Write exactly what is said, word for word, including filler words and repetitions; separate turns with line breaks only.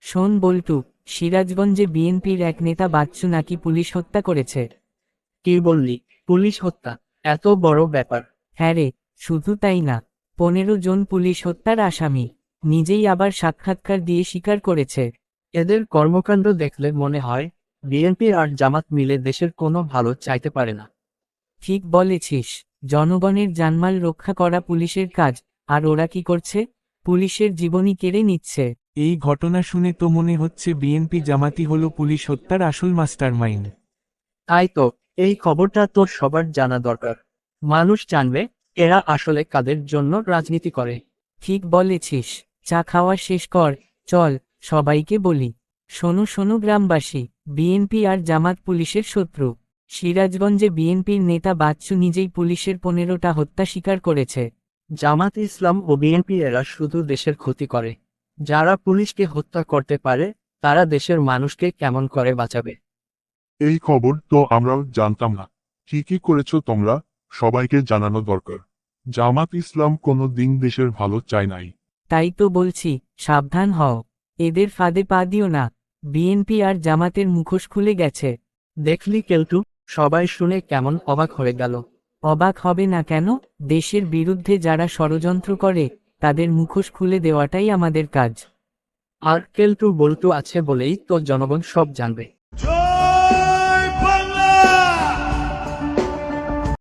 শোন বল্টু, সিরাজগঞ্জে বিএনপির এক নেতা বাচ্চু নাকি পুলিশ হত্যা করেছে।
কি বললি? পুলিশ হত্যা? এত বড় ব্যাপার?
হ্যাঁ রে, শুধু তাই না, পনেরো জন পুলিশ হত্যার আসামি নিজেই আবার সাক্ষাৎকার দিয়ে স্বীকার করেছে।
এদের কর্মকাণ্ড দেখলে মনে হয় বিএনপি আর জামাত মিলে দেশের কোনো ভালো চাইতে পারে না।
ঠিক বলেছিস, জনগণের জানমাল রক্ষা করা পুলিশের কাজ, আর ওরা কি করছে? পুলিশের জীবনই কেড়ে নিচ্ছে।
এই ঘটনা শুনে তো মনে হচ্ছে বিএনপি জামাতি হলো পুলিশ হত্যার আসল মাস্টারমাইন্ড।
তাই তো, এই খবরটা তো সবার জানা দরকার। মানুষ জানবে এরা আসলে কাদের জন্য রাজনীতি করে।
ঠিক বলেছিস, চা খাওয়া শেষ কর, চল সবাইকে বলি। শোনো শোনো গ্রামবাসী, বিএনপি আর জামাত পুলিশের শত্রু। সিরাজগঞ্জে বিএনপির নেতা বাচ্চু নিজেই পুলিশের পনেরোটা হত্যা স্বীকার করেছে।
জামাত ইসলাম ও বিএনপি এরা শুধু দেশের ক্ষতি করে। যারা পুলিশকে হত্যা করতে পারে তারা দেশের মানুষকে কেমন করে বাঁচাবে?
এই খবর তো আমরাও জানতাম না। ঠিকই করেছো তোমরা, সবাইকে জানানো দরকার। জামাত ইসলাম কোনো দিন দেশের ভালো চায় নাই।
তাই তো বলছি, সাবধান হও, এদের ফাঁদে পা দিও না। বিএনপি আর জামাতের মুখোশ খুলে গেছে।
দেখলি কেলটু, সবাই শুনে কেমন অবাক হয়ে গেল।
অবাক হবে না কেন? দেশের বিরুদ্ধে যারা ষড়যন্ত্র করে তাদের মুখোশ খুলে দেওয়াটাই আমাদের কাজ।
আর কেলটু বল্টু আছে বলেই তো জনগণ সব জানবে।